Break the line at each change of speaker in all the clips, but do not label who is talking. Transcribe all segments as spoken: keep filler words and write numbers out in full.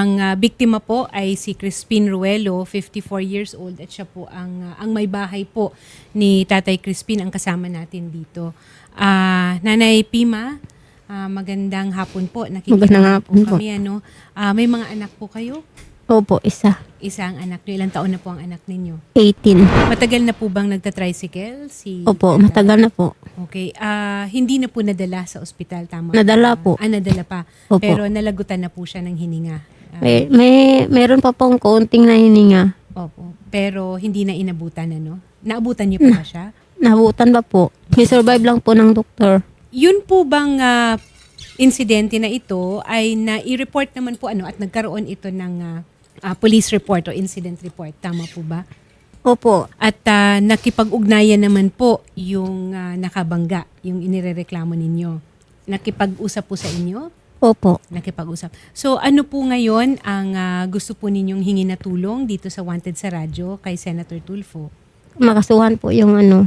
Ang ah, biktima po ay si Crispin Ruelo, fifty-four years old, at siya po ang, ah, ang may bahay po ni Tatay Crispin ang kasama natin dito. Ah, Nanay Pima, ah, magandang hapon po. Nakikita
Magandang
po
hapon po.
kami. Ano. Ah, may mga anak po kayo?
Opo, isa.
Isa ang anak niyo. Ilang taon na po ang anak ninyo?
eighteen.
Matagal na po bang nagta-tricycle? Si
Opo,
Tata?
matagal na po.
Okay. Ah, hindi na po nadala sa ospital, tama?
Nadala
ba?
po.
Ah, nadala pa.
Opo.
Pero nalagutan na po siya ng hininga. Ah,
May, may, meron pa pong kaunting nahininga.
Opo. Pero hindi na inabutan, ano? Naabutan niyo po ba siya?
Nabutan ba po? May survive lang po ng doktor.
Yun po bang ah, insidente na ito ay na-i-report naman po ano at nagkaroon ito ng ah, ah, police report o incident report. Tama po ba?
Opo.
At ah, nakipag-ugnayan naman po yung ah, nakabangga, yung inirereklamo ninyo. Nakipag-usap po sa inyo?
Opo.
Nakipag-usap. So ano po ngayon ang ah, gusto po ninyong hingi na tulong dito sa Wanted sa Radyo kay Senator Tulfo?
Makasuhan po yung ano,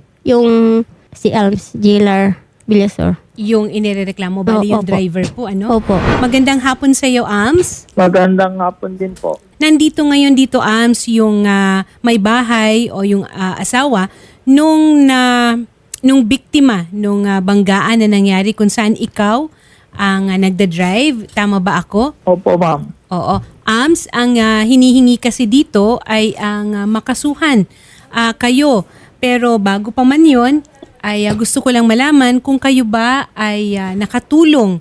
yung si Alms Jailer Villasor.
Yung inirereklamo, bali
Oo,
yung
opo.
driver po, ano?
Opo.
Magandang hapon sa iyo, Ams.
Magandang hapon din po.
Nandito ngayon dito, Ams, yung ah, may bahay o yung ah, asawa nung na nung biktima nung ah, banggaan na nangyari kung saan ikaw ang ah, nagda-drive. Tama ba ako?
Opo, ma'am.
Oo. Ams, ang ah, hinihingi kasi dito ay ang ah, makasuhan ah, kayo. Pero bago pa man yun, ay ah, gusto ko lang malaman kung kayo ba ay ah, nakatulong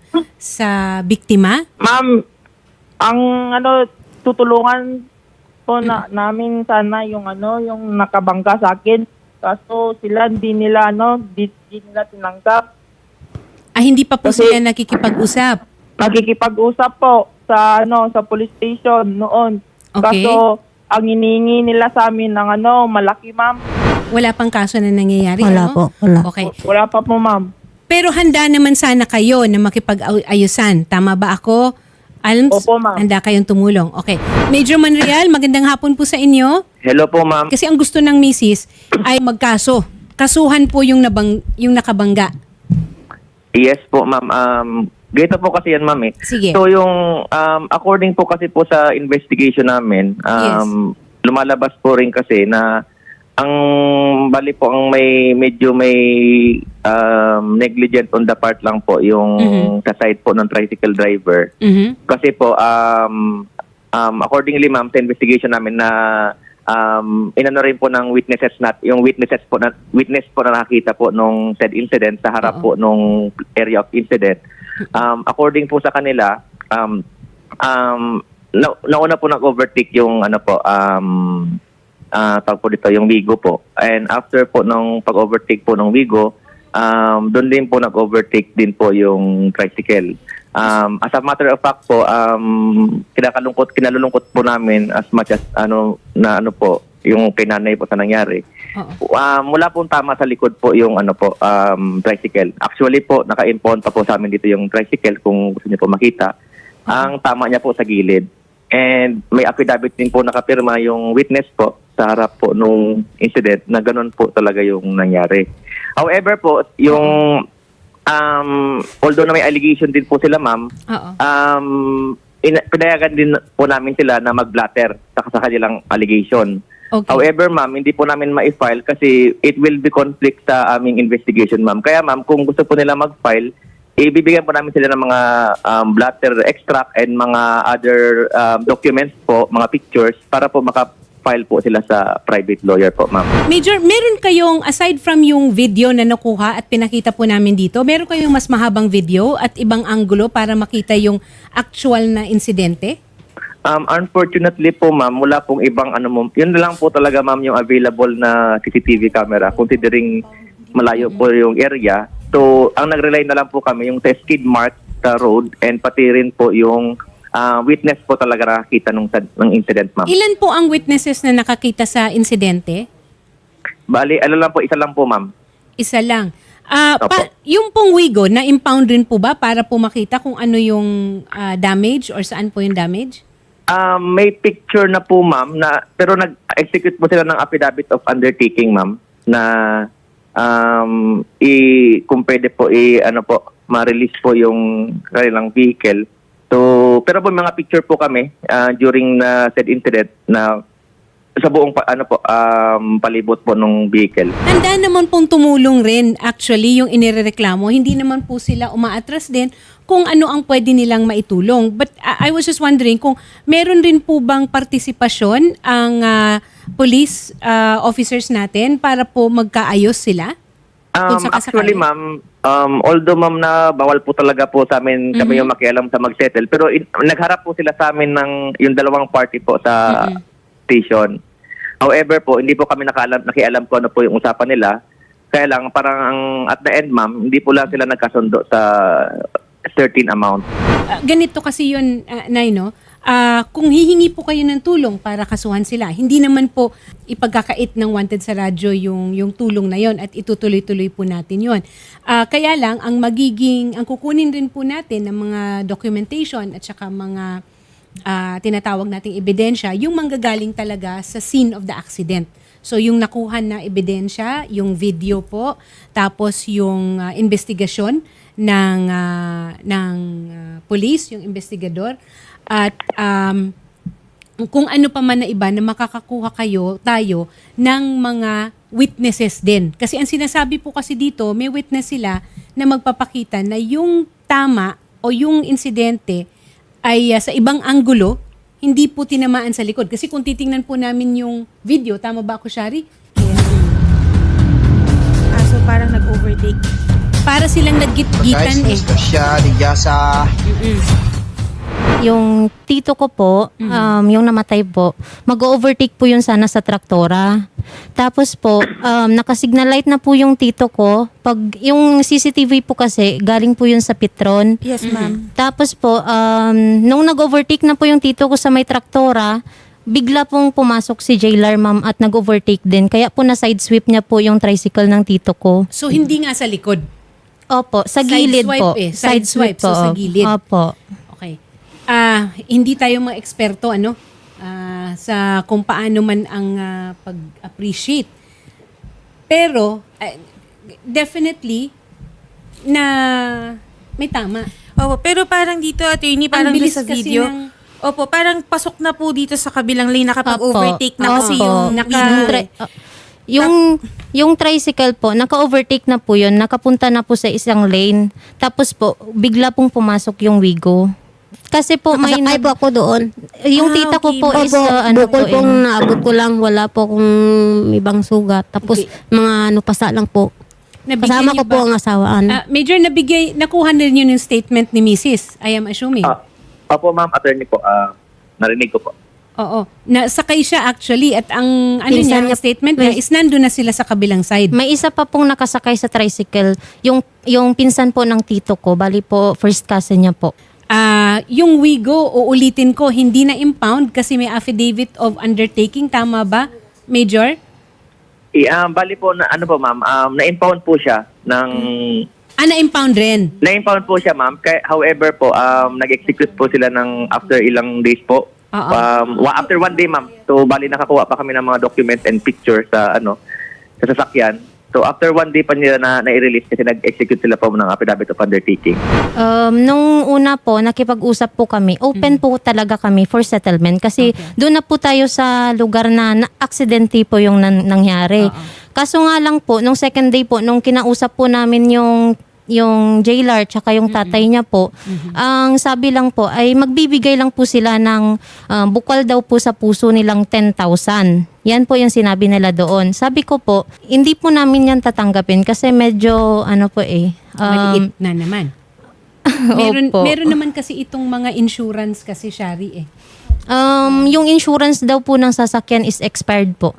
sa biktima.
Ma'am, ang ano, tutulungan po na, namin sana yung ano, yung nakabangga sa akin. Kaso sila hindi nila ano, di, di nila tinanggap.
Ah, hindi pa po
Kasi-
sila nakikipag-usap.
Nakikipag-usap po sa ano, sa police station noon.
Okay.
Kaso ang hinihingi nila sa amin ng ano, malaki, ma'am.
Wala pang kaso na nangyayari,
Wala
ano?
po, wala.
Okay.
Wala pa po, ma'am.
Pero handa naman sana kayo na makipag-ayusan. Tama ba ako? Alms,
Opo, ma'am.
handa kayong tumulong. Okay. Major Manreal, magandang hapon po sa inyo.
Hello po, ma'am.
Kasi ang gusto ng misis ay magkaso. Kasuhan po yung, nabang, yung nakabangga.
Yes po, ma'am. Um, ganito po kasi yan, ma'am eh.
Sige.
So yung, um, according po kasi po sa investigation namin, um, lumalabas po rin kasi na ang bali po ang may medyo may um, negligent on the part lang po yung
Mhm.
sa side po ng tricycle driver.
Mhm.
Kasi po, um, um, accordingly ma'am, sa investigation namin na um, inano rin po ng witnesses nat yung witnesses po na witness po na nakakita po nung said incident sa harap
Oo.
po nung area of incident. Um, according po sa kanila, um, um, na, nauna po nag-overtake yung ano po, um, ah tawag po dito, yung Wigo po. And after po nung pag-overtake po ng Wigo, um, doon din po nag-overtake din po yung tricycle. Um, as a matter of fact po, um, kinakalungkot, kinalulungkot po namin as much as ano, na ano po, yung pinanay po sa nangyari.
Oo.
Um, mula po tama sa likod po yung ano po, um, tricycle. Actually po, naka-impound pa po sa amin dito yung tricycle kung gusto niyo po makita. Ang tama niya po sa gilid. And may affidavit din po nakapirma yung witness po sa harap po nung incident na ganun po talaga yung nangyari. However po, yung um, although na may allegation din po sila, ma'am,
Oo.
um, ina- pinayagan din po namin sila na mag-blatter sa, sa kanilang allegation.
Okay.
However, ma'am, hindi po namin ma-file kasi it will be conflict sa aming investigation, ma'am. Kaya, ma'am, kung gusto po nila mag-file, ibibigyan po namin sila ng mga um, blatter extract and mga other um, documents po, mga pictures, para po maka-file po sila sa private lawyer po, ma'am.
Major, meron kayong, aside from yung video na nakuha at pinakita po namin dito, meron kayong mas mahabang video at ibang anggulo para makita yung actual na insidente?
Um, unfortunately po, ma'am, wala pong ibang ano mo. Yun na lang po talaga, ma'am, yung available na C C T V camera, considering malayo po yung area. So, ang nag-rely na lang po kami yung sa skid mark sa road and pati rin po yung ah, witness po talaga nakakita nung, ng incident, ma'am.
Ilan po ang witnesses na nakakita sa insidente?
Bali, ano lang po, isa lang po, ma'am.
Isa lang. Ah,
Opo.
pa, yung pong Wigo, na-impound rin po ba para po makita kung ano yung ah, damage or saan po yung damage?
Um, may picture na po, ma'am, na, pero nag-execute po sila ng affidavit of undertaking, ma'am, na um, i, kung pwede po, i, ano po, ma-release po yung kanilang vehicle. So, po. Pero po mga picture po kami ah, during na said incident na sa buong pa, ano po um, palibot po ng vehicle.
Handa naman pong tumulong rin actually yung inirereklamo. Hindi naman po sila umaatras din kung ano ang pwede nilang maitulong. But uh, I was just wondering kung meron rin po bang partisipasyon ang uh, police uh, officers natin para po magkaayos sila? Kung
Um,
sakasakali.
actually, ma'am, um, although ma'am na bawal po talaga po sa amin kami yung makialam sa mag-settle, pero in, nagharap po sila sa amin ng yung dalawang party po sa station. However po, hindi po kami nakaalam, nakialam ko ano po yung usapan nila. Kaya lang, parang ang, at the end, ma'am, hindi po lang sila nagkasundo sa certain amount.
Uh, ganito kasi yun, uh, Nay, no? Ah, kung hihingi po kayo ng tulong para kasuhan sila, hindi naman po ipagkakait ng Wanted sa radyo yung, yung tulong na yon at itutuloy-tuloy po natin yon. Ah, kaya lang, ang magiging, ang kukunin rin po natin ng mga documentation at saka mga ah, tinatawag nating ebidensya, yung manggagaling talaga sa scene of the accident. So yung nakuha na ebidensya, yung video po, tapos yung ah, investigasyon ng ah, ng ah, police, yung investigador, at um, kung ano pa man na iba na makakakuha kayo, tayo, ng mga witnesses din. Kasi ang sinasabi po kasi dito, may witness sila na magpapakita na yung tama o yung insidente ay uh, sa ibang anggulo, hindi po tinamaan sa likod. Kasi kung titingnan po namin yung video, tama ba ako, Shari?
Ah, so parang nag-overtake.
Para silang naggit-gitan eh.
Guys, siya, Digasa.
Yung tito ko po, um, yung namatay po, mag-overtake po yun sana sa traktora. Tapos po, um, nakasignal light na po yung tito ko. Pag yung C C T V po kasi, galing po yun sa Petron.
Yes, ma'am.
Tapos po, um, nung nag-overtake na po yung tito ko sa may traktora, bigla pong pumasok si Jailer, ma'am, at nag-overtake din. Kaya po na side sweep niya po yung tricycle ng tito ko.
So hindi nga sa likod.
Opo, sa
Side
gilid
swipe
po.
eh. Side swipe, so sa gilid.
Opo.
Okay. Ah, hindi tayo mga eksperto ano ah, sa kung paano man ang ah, pag-appreciate. Pero ah, definitely na may tama.
Opo, pero parang dito, attorney, parang
bilis
doon sa
kasi
video.
ng-
Opo, parang pasok na po dito sa kabilang lane, nakapag-overtake na kasi
Opo.
yung
Naka-
video.
yung, tri- uh, yung, yung tricycle po, naka-overtake na po yun, nakapunta na po sa isang lane. Tapos po, bigla pong pumasok yung Wigo. Kasi po may...
Nakasakay
nag-
po ako doon.
yung
Ah,
tita ko
okay.
po is,
Opo,
uh, ano po
bukol pong
eh.
naabot ko lang, wala po kung ibang sugat. Tapos
Okay.
mga ano pasa lang po.
Nabigyan
Kasama
niyo
ko po
ba-
ang asawaan.
Ah, Major, nabigay, nakuha na rin yun yung statement ni Missus I am assuming.
Ah, opo, ma'am, attorney po. ah, narinig ko po.
Oo. Nasakay siya actually at ang ano
Pinsan
niya, ang
niya-
statement niya is nandun na sila sa kabilang side.
May isa pa pong nakasakay sa tricycle. Yung, yung pinsan po ng tito ko, bali po, first cousin niya po.
Ah, yung Wigo, uulitin ko, hindi na impound kasi may affidavit of undertaking. Tama ba, Major?
I, um, bali po, na, ano po, ma'am, um, na-impound po siya ng...
Ah, na-impound rin.
Na-impound po siya, ma'am. Kaya, however po, um, nag-execute po sila ng after ilang days po.
Oo.
Um, wa- after one day, ma'am. So, bali nakakuha pa kami ng mga document and picture sa, ano, sa sasakyan. So, after one day pa nila na, na-release kasi nag-execute sila po ng affidavit of undertaking.
Um, nung una po, nakipag-usap po kami. Open po talaga kami for settlement kasi doon na po tayo sa lugar na, na aksidente po yung nan- nangyari. Kaso nga lang po, nung second day po, nung kinausap po namin yung yung jailer tsaka yung tatay niya po, ang sabi lang po ay magbibigay lang po sila ng uh, bukal daw po sa puso nilang ten thousand. Yan po yung sinabi nila doon. Sabi ko po, hindi po namin yan tatanggapin kasi medyo ano po eh. um,
Maliit na naman. meron,
Opo.
meron naman kasi itong mga insurance kasi, Shari eh.
Um, yung insurance daw po ng sasakyan is expired po.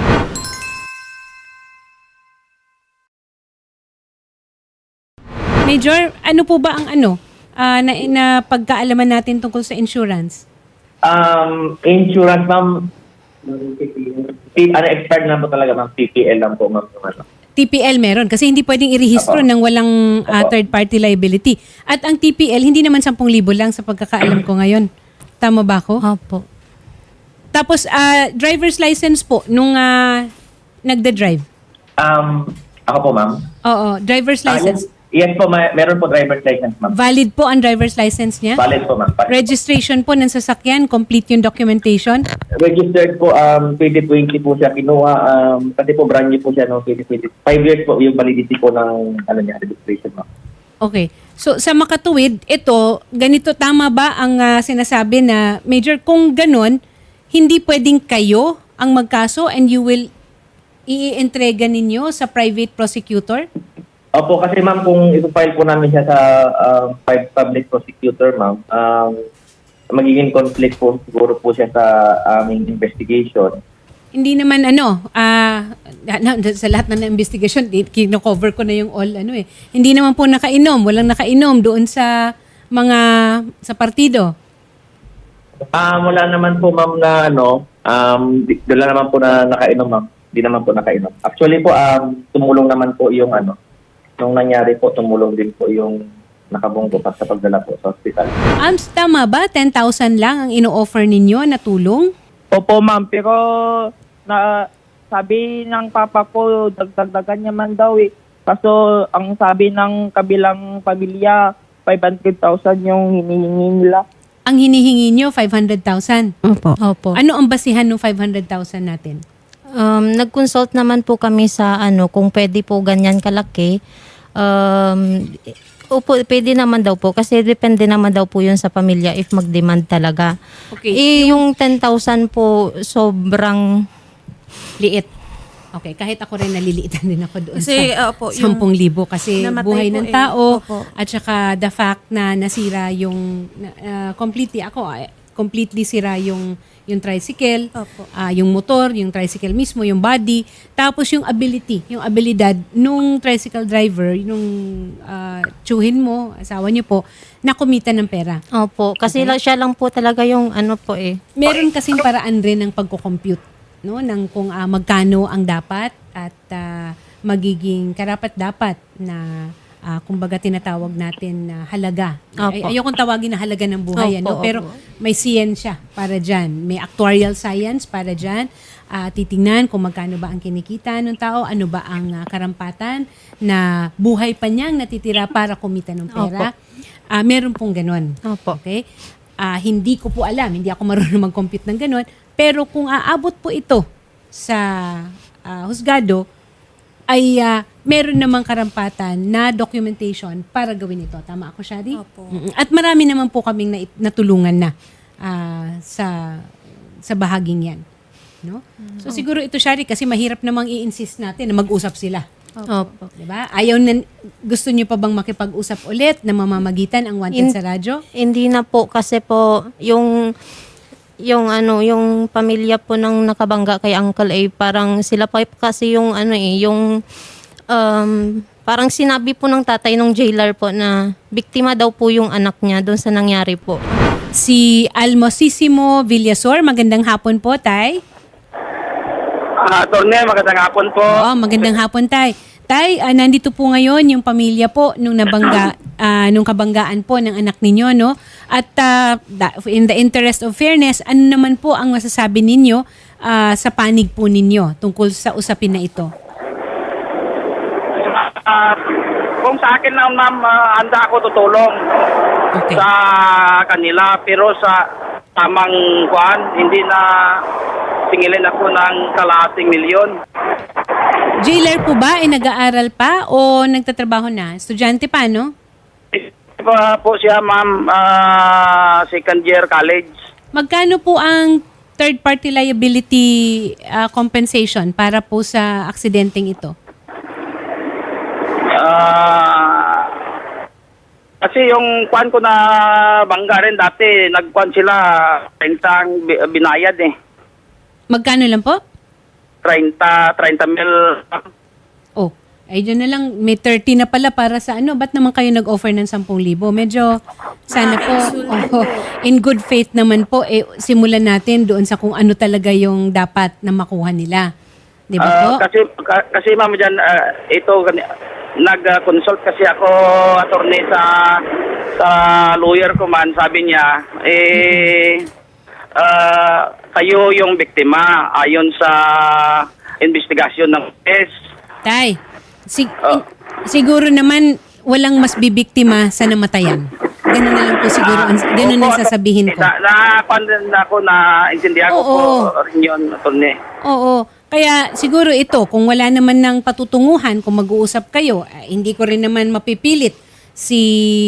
Major, ano po ba ang ano ah, na, na pagkaalaman natin tungkol sa insurance?
Um, insurance, ma'am, P- ano, expired lang po talaga, ma'am. P P L lang po, ma'am. yung ano.
T P L meron kasi hindi pwedeng irehistro
Opo.
ng walang ah,
Opo.
third party liability. At ang T P L hindi naman ten thousand lang sa pagkakaalam ko ngayon. Tama ba ako?
Opo.
Tapos ah, driver's license po nung ah, nagda-drive.
Um, ako po, ma'am.
Oo, driver's
Ah,
license.
Yes po, may, meron po driver's license, ma'am.
Valid po ang driver's license niya?
Valid po, ma'am. Valid.
Registration po ng sasakyan, complete yung documentation?
Registered po, um, twenty twenty po siya kinuha. Um, kasi po brand new po siya no, twenty twenty. Five years po yung validity po ng ano niya, registration, ma'am.
Okay. So sa makatuwid, ito, ganito tama ba ang ah, sinasabi na, Major, kung ganun, hindi pwedeng kayo ang magkaso and you will i-entrega ninyo sa private prosecutor?
Opo, kasi ma'am, kung ipopile po namin siya sa um, public prosecutor, ma'am, um, magiging conflict po siguro po siya sa aming investigation.
Hindi naman ano, ah na- na- sa lahat na ng investigation, di- kino-cover ko na yung all ano eh. Hindi naman po nakainom, walang nakainom doon sa mga sa partido.
Ah, wala naman po ma'am na ano, um, di- wala naman po na nakainom, ma'am. Di naman po nakainom. Actually po, um, tumulong naman po yung ano, nung nangyari po, tumulong din po yung nakabunggo pa sa pagdala po sa hospital.
Ams, tama ba? ten thousand lang ang ino-offer ninyo na tulong?
Opo, ma'am. Pero na sabi ng papa ko, dagdagdagan niya man daw eh. Kaso ang sabi ng kabilang pamilya, five hundred thousand yung hinihingi nila.
Ang hinihingi nyo, five hundred thousand.
Opo.
Opo.
Ano ang basihan ng five hundred thousand natin?
Um, nag-consult naman po kami sa ano, kung pwede po ganyan kalaki. Um, opo, pwede naman daw po kasi depende naman daw po yun sa pamilya if mag-demand talaga.
Okay.
Eh, yung ten thousand po sobrang
Liit. Okay, kahit ako rin naliliitan din ako doon
Kasi,
sa
opo, yung
ten thousand kasi
namatay
buhay
po
ng
eh.
tao
Opo.
at saka the fact na nasira yung uh, completely ako eh, completely sira yung yung tricycle,
Opo.
ah, yung motor, yung tricycle mismo, yung body, tapos yung ability, yung abilidad nung tricycle driver, nung uh, tsuhin mo, asawa niyo po, na kumita ng pera.
Opo, kasi la- siya lang po talaga yung ano po eh.
Meron kasing paraan rin ng pagko-compute, no, ng kung ah, magkano ang dapat at ah, magiging karapat-dapat na ah, kumbaga tinatawag natin na halaga. Ay,
Opo.
ayokong tawagin na halaga ng buhay,
Opo,
ano, pero
opo.
may siyensya para diyan, may actuarial science para diyan. Ah, titingnan kung magkano ba ang kinikita ng tao, ano ba ang ah, karampatan na buhay pa niyang natitira para kumita ng pera. Ah, meron pong ganun.
Opo.
Okay? Ah, hindi ko po alam, hindi ako marunong mag-compute ng ganun, pero kung aabot po ito sa ah, husgado, ay ah, meron namang karampatan na documentation para gawin ito. Tama ako, Shari?
Opo.
Mm-mm. At marami naman po kaming nait- natulungan na ah, sa sa bahaging yan. No? So siguro ito, Shari, kasi mahirap namang i-insist natin na mag-usap sila.
Opo.
Diba? Ayaw na, gusto niyo pa bang makipag-usap ulit na mamamagitan ang wanted
In-
sa radyo?
Hindi na po kasi po yung yung ano yung pamilya po ng nakabangga kay Uncle A parang sila pa kasi yung ano eh yung um, parang sinabi po ng tatay ng jailer po na biktima daw po yung anak niya doon sa nangyari po.
Si Almosissimo Villasor, magandang hapon po, Tay.
Ah, Torne, magandang hapon po.
Oo, magandang hapon, Tay. Tay, ah, nandito po ngayon yung pamilya po nung nabangga, ah, nung kabanggaan po ng anak ninyo, no? At ah, da- in the interest of fairness, ano naman po ang masasabi ninyo ah, sa panig po ninyo tungkol sa usapin na ito?
Ah, kung sa akin lang, ma'am, ah, handa ako tutulong
Okay.
sa kanila. Pero sa tamang kuan, hindi na singilin ako ng kalahating milyon.
Jailer po ba ay nag-aaral pa o nagtatrabaho na? Estudyante pa, no?
Pa po siya, ma'am, ah, second year college.
Magkano po ang third-party liability ah, compensation para po sa aksidenteng ito?
Ah, kasi yung kwan ko na bangga rin dati, nagkwan sila, rentang bi- binayad eh.
Magkano lang po?
treinta, treinta mil.
Oh, ay dyan na lang. May thirty na pala para sa ano. Ba't naman kayo nag-offer ng ten thousand? Medyo sana po, oh, in good faith naman po, eh, simulan natin doon sa kung ano talaga yung dapat na makuha nila. Di ba po?
Ah, kasi ka- kasi ma'am diyan ito gani- nag-consult kasi ako attorney sa sa lawyer ko man, sabi niya eh ah, kayo yung biktima ayon sa investigasyon ng case.
Tay, sig-
Oh.
in- siguro naman walang mas bibiktima sa namatayan. Ganun na lang po siguro, ang- ganun ang sasabihin ko.
Na, na, na ako na intindihan ko
Oo.
po rin yun, attorney.
Oo. Kaya siguro ito, kung wala naman ng patutunguhan, kung mag-uusap kayo, eh, hindi ko rin naman mapipilit si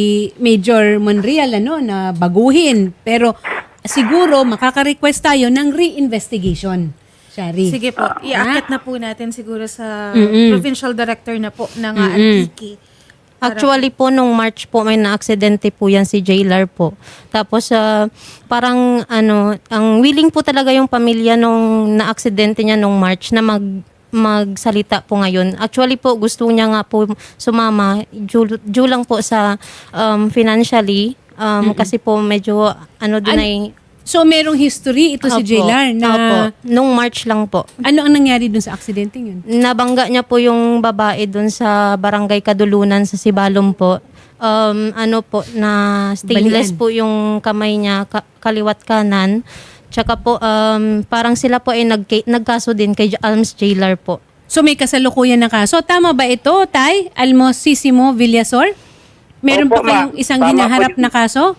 Major Monreal ano, na baguhin. Pero siguro makaka-request tayo ng re-investigation. Shari.
Sige po,
Ah.
iaakit na po natin siguro sa
Mm-mm.
provincial director na po ng uh,
Mm-mm.
Antique.
Actually po, nung March po, may na-aksidente po yan si Jailer po. Tapos, ah, parang, ano, ang willing po talaga yung pamilya nung na-aksidente niya nung March na mag magsalita po ngayon. Actually po, gusto niya nga po sumama, due, due lang po sa um, financially, um, kasi po medyo, ano doon
An-
ay...
So merong history ito si
Opo.
Jailar na
Opo. Nung March lang po.
ano ang nangyari dun sa aksidente yun?
Nabangga niya po yung babae doon sa barangay Kadulunan sa Sibalom po. Um, ano po, na stainless
Balian.
po yung kamay niya, ka- kaliwat kanan. Tsaka po, um, parang sila po ay nagka- nagkaso din kay Alms Jailer po.
So may kasalukuyan na kaso. Tama ba ito, Tay? Almosissimo Villasor? Meron
Opo,
pa kayong
ma'am.
isang
Tama po
hinaharap
yun.
na kaso?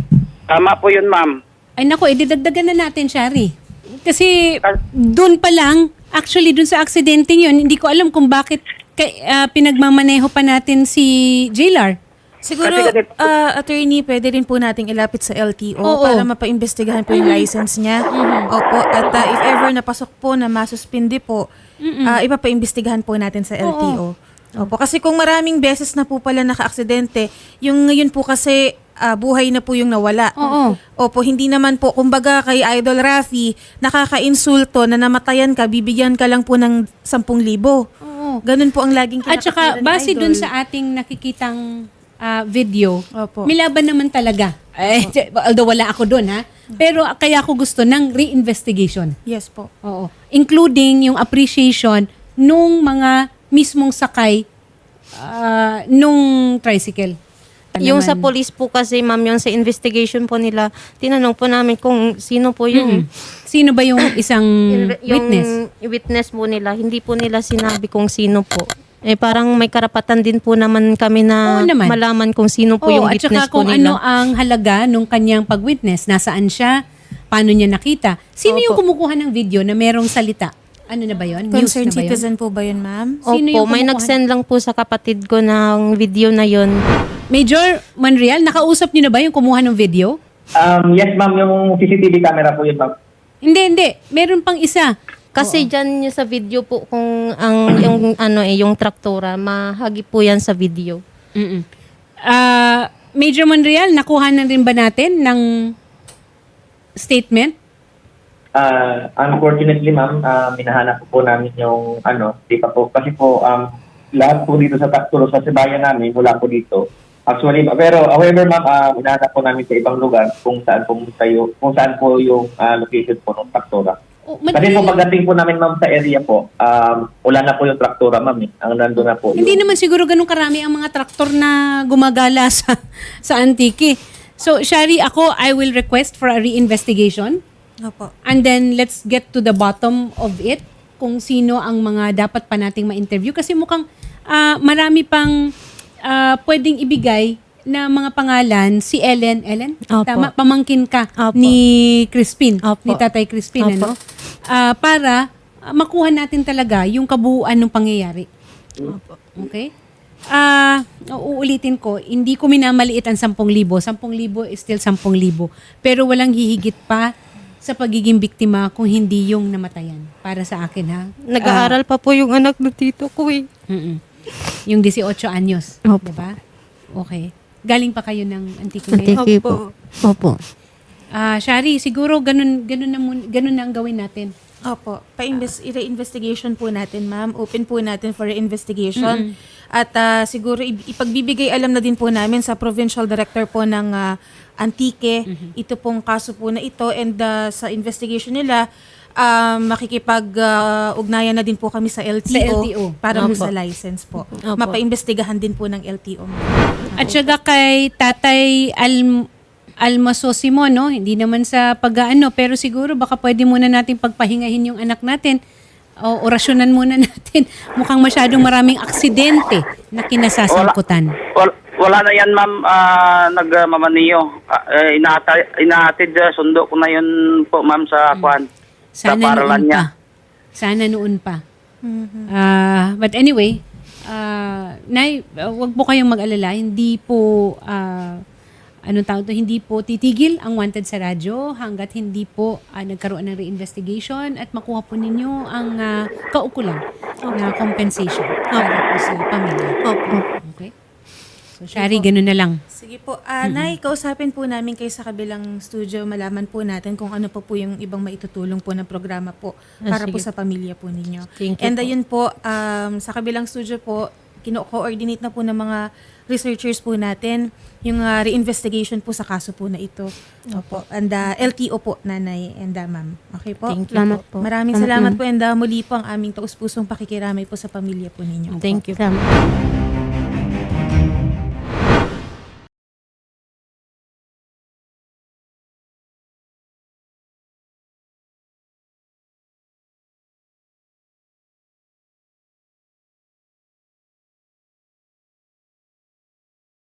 Tama po yun, ma'am.
Ay nako, ididagdagan na natin, Shari. Kasi doon pa lang, actually doon sa aksidente yun, hindi ko alam kung bakit kay, ah, pinagmamaneho pa natin si Jailar.
Siguro,
Kasi ganito-
uh, attorney, pwede rin po nating ilapit sa L T O
Oo.
para mapaimbestigahan po yung license niya. Opo. At uh, if ever napasok po na masuspindi po, uh, ipapaimbestigahan po natin sa L T O. Opo. Kasi kung maraming beses na po pala naka-aksidente, yung ngayon po kasi ah, buhay na po yung nawala.
Oo.
Opo, hindi naman po, kumbaga kay Idol Rafi, nakaka-insulto na namatayan ka, bibigyan ka lang po ng sampung libo.
Oo.
Ganun po ang laging
At saka,
kinakatwiran ni
base
Idol.
dun sa ating nakikitang ah, video,
Opo.
may laban naman talaga. Eh, although wala ako dun, ha? Pero ah, kaya ako gusto ng re-investigation.
Yes po.
Oo. Including yung appreciation nung mga mismong sakay ah, nung tricycle.
Yung sa
Naman.
police po kasi, ma'am, yung sa investigation po nila, tinanong po namin kung sino po yung...
Sino ba yung isang
yung
witness?
witness po nila. Hindi po nila sinabi kung sino po. Eh parang may karapatan din po naman kami na
Oo naman.
malaman kung sino po
Oo,
yung
at
witness
saka
po
kung
nila.
ano ang halaga nung kanyang pag-witness, nasaan siya, paano niya nakita. Sino yung
Opo.
kumukuha ng video na merong salita? Ano na ba yun? News
Concerned
na ba yun?
citizen po ba yun, ma'am?
Sino
Opo,
yung
may
kumukuha?
nag-send lang po sa kapatid ko ng video na yon.
Major Monreal, nakausap niyo na ba yung kumuha ng video?
Um, yes, ma'am, yung C C T V camera po yun, ma'am.
Hindi, hindi. Meron pang isa.
Kasi dyan yung sa video po kung ang yung ano eh yung traktora, mahagi po yan sa video.
Mm-mm. Ah, Major Monreal, nakuha na rin ba natin ng statement?
Uh, unfortunately, ma'am, uh, minahanap po, po namin yung ano, di pa po. Kasi po, um, lahat po dito sa Takturo, sa Sibayan namin, mula po dito. Actually, pero however, ma'am, uh, minahanap po namin sa ibang lugar kung saan po tayo, kung saan po yung uh, location po ng Taktura.
Oh,
Kasi po
madali-
pagdating po namin, ma'am, sa area po, um, wala na po yung Traktura, ma'am. Eh. Ang nandun na po
Hindi
yung...
naman siguro ganun karami ang mga traktor na gumagala sa sa Antique. So, Shari, ako, I will request for a re-investigation.
Opo.
And then, let's get to the bottom of it. Kung sino ang mga dapat pa nating ma-interview. Kasi mukhang ah, marami pang ah, pwedeng ibigay na mga pangalan. Si Ellen, Ellen?
Opo.
Tama, pamangkin ka
Opo.
ni Crispin,
Opo.
ni Tatay Crispin.
Opo.
Ano? Ah, para ah, makuha natin talaga yung kabuuan ng pangyayari. Okay? Ah, uulitin ko, hindi ko minamaliit ang sampung libo. Sampung libo is still sampung libo. Pero walang hihigit pa sa pagiging biktima kung hindi yung namatayan. Para sa akin, ha?
Nag-aaral pa po yung anak ng tito ko eh.
Mm-mm. Yung eighteen anyos.
Opo.
Diba? Okay. Galing pa kayo ng Antique ngayon?
Tiki po. Opo.
Ah, Shari, siguro ganun, ganun, na, mun- ganun na ang gawin natin.
Opo. Pa-invest, i-investigation po natin, ma'am. Open po natin for investigation. At ah, siguro i- ipagbibigay alam na din po namin sa provincial director po ng ah, Antique, ito pong kaso po na ito, and ah, sa investigation nila, um, makikipag-ugnayan na din po kami sa L T O,
Sa L T O.
para po
Opo.
sa license po.
Opo.
Mapaimbestigahan din po ng L T O. ma'am.
At saka kay Tatay Al Almasosimo, no? Hindi naman sa pag-aano, pero siguro baka pwede muna natin pagpahingahin yung anak natin o orasyonan muna natin. Mukhang masyadong maraming aksidente na kinasasangkutan.
Wala, wala na yan, ma'am. Uh, Nagmamaniyo. Uh, uh, inata, inahatid, uh, sundo ko na yun po, ma'am, sa kwan. Sa
Sana
paralan
noon
niya.
pa. Sana noon pa. Ah, but anyway, ah, Nay, uh, wag po kayong mag-alala. Hindi po, ah, anong tawag to, hindi po titigil ang Wanted sa radyo hanggat hindi po ah, nagkaroon ng reinvestigation at makuha po ninyo ang ah, kaukulang na compensation para po sa pamilya. Okay? So, Shari, ganun na lang.
Sige po. Ah, Nay, kausapin po namin kayo sa kabilang studio. Malaman po natin kung ano pa po yung ibang maitutulong po na programa po
Ah,
para po
sige.
sa pamilya po ninyo.
Thank you
And
po.
ayun po, um, sa kabilang studio po, kino-coordinate na po ng mga researchers po natin yung ah, reinvestigation po sa kaso po na ito. Opo. And ah, L T O po, Nanay and ah, Ma'am. Okay po?
Thank you
Salamat
po.
po.
Maraming
Salamat,
salamat
ma'am.
po and ah, muli po ang aming taus-pusong pakikiramay po sa pamilya po ninyo.
Thank you.
Salamat.